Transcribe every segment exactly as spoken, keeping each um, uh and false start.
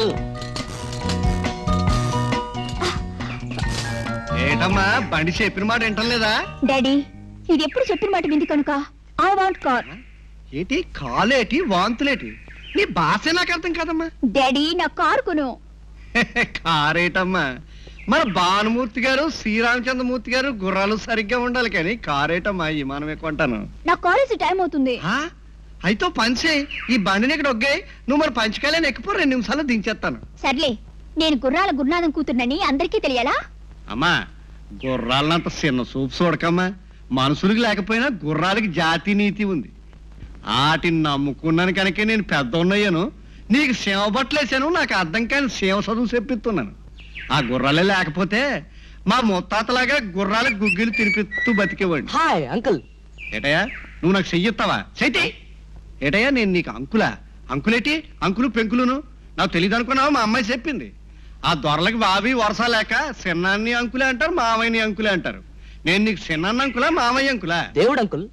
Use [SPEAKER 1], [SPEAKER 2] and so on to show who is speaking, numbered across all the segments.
[SPEAKER 1] ఏటమ్మా బండి చెప్పిన మాట వింటలేదా?
[SPEAKER 2] డాడీ ఇది ఎప్పుడు చెప్పిన మాట వింది కనుక ఐ వాంట్ కార్.
[SPEAKER 1] ఏంటి కాలేటి వాంతులేటి? నీ భాష నాకు అర్థం కాదమ్మా.
[SPEAKER 2] డాడీ నా కారు కొను.
[SPEAKER 1] కారేటమ్మా, మన భానుమూర్తి గారు శ్రీరామచంద్రమూర్తి గారు గుర్రాలు సరిగ్గా ఉండాలి కానీ కారేటమ్మా ఈ మనమే కొంటాను.
[SPEAKER 2] నా కాలేజీ టైం అవుతుంది.
[SPEAKER 1] అయితే పంచే ఈ బండిని ఇక్కడ ఒగ్గాయి, నువ్వు మరి పంచకాయలని ఎక్కిపో, రెండు నిమిషాలు దించేస్తాను.
[SPEAKER 2] సర్లే, నేను గుర్రాల గురునాథం కూతుర్నని అందరికీ తెలియాలా?
[SPEAKER 1] అమ్మా గుర్రాలనంత చిన్న చూపు చూడకమ్మా. మనుషులకి లేకపోయినా గుర్రాలకి జాతి నీతి ఉంది. వాటిని నమ్ముకున్నాను కనుక నేను పెద్ద ఉన్నాయను, నీకు సేవ బట్టలేసాను, నాకు అర్థం కాని సేవ చదువు చెప్పిస్తున్నాను. ఆ గుర్రాలే లేకపోతే మా ముత్తాతలాగా గుర్రాలకు గుగ్గిలు తినిపిస్తూ బతికేవాడు.
[SPEAKER 3] Hi uncle.
[SPEAKER 1] ఏటయ్యా నువ్వు నాకు చెయ్యిస్తావా? చైతే ఏటయ్యా నేను నీకు అంకులా? అంకులేటి అంకులు పెంకులును నాకు తెలియదు అనుకున్నావా? మా అమ్మాయి చెప్పింది. ఆ దొరలకి బావి వరస లేక చిన్నాన్ని అంకులే అంటారు, మామయ్యని అంకులే అంటారు. నేను నీకు చిన్నాన్న అంకులా మామయ్య అంకులా?
[SPEAKER 3] దేవుడు అంకుల్.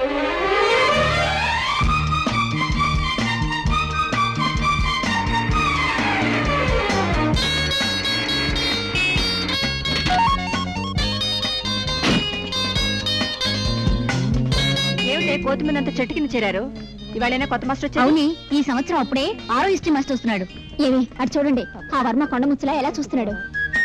[SPEAKER 2] ఏమిటే కోతి మీద అంత చెట్టు కింద చేరారు? ఇవాళైనా కొత్త మాస్టర్ వచ్చారు? అవుని, ఈ సంవత్సరం అప్పుడే ఆరో హిస్టరీ మాస్టర్ వస్తున్నాడు. ఏమి అటు చూడండి, ఆ వర్మ కొండ ముచ్చలా ఎలా చూస్తున్నాడు.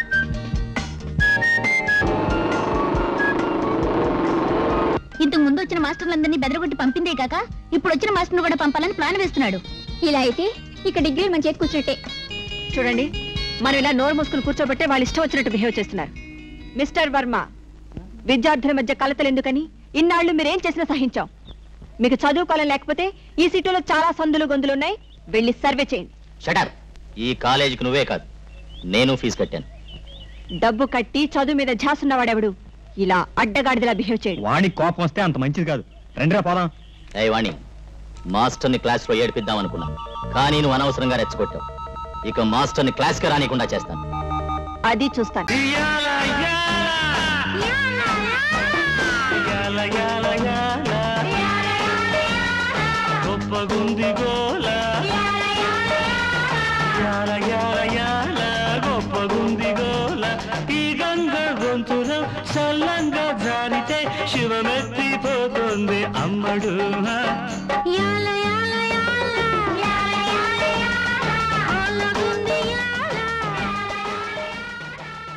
[SPEAKER 2] ఇంతకు ముందు వచ్చిన మాస్టర్లందరినీ బెదరగొట్టి పంపిందే కాక ఇప్పుడు వచ్చిన మాస్టర్ను కూడా పంపాలని ప్లాన్ వేస్తున్నాడు. ఇలా అయితే ఇక డిగ్రీ మన చేతి కూర్చున్నట్టే. చూడండి, మనం ఇలా నోరు మూసుకుని కూర్చోబట్టే వాళ్ళు ఇష్టం వచ్చినట్టు బిహేవ్ చేస్తున్నారు. మిస్టర్ వర్మ, విద్యార్థుల మధ్య కలతలు ఎందుకని ఇన్నాళ్ళు మీరేం చేసినా సహించాం. మీకు చదువుకోవాలని లేకపోతే ఈ సిటీలో చాలా సందులు గొంతులు ఉన్నాయి, వెళ్ళి సర్వే చేయండి.
[SPEAKER 4] షటర్. ఈ కాలేజీకి నువ్వే కాదు, నేను ఫీజు కట్టాను.
[SPEAKER 2] డబ్బు కట్టి చదువు మీద ఝాసున్నవాడెవడు ఇలా అడ్డగాడిదలా బిహేవ్ చేయడు.
[SPEAKER 5] వాణి కోపం వస్తే అంత మంచిది కాదు. రండిరా పోదాం.
[SPEAKER 4] ఏ వాణి, మాస్టర్ని క్లాస్లో ఏడిపిద్దాం అనుకున్నా, కానీ నువ్వు అనవసరంగా రెచ్చగొట్టావు. ఇక మాస్టర్ని క్లాస్కి రానికుండా చేస్తాను.
[SPEAKER 2] అది చూస్తాను.
[SPEAKER 6] గొప్పగుంది గోల, యాల యాల యాల గొప్పగుంది గోల. ఈ గంగ గొంతులో చల్లంగా జారితే శివమెత్తిపోతుంది అమ్మడు.
[SPEAKER 2] యాల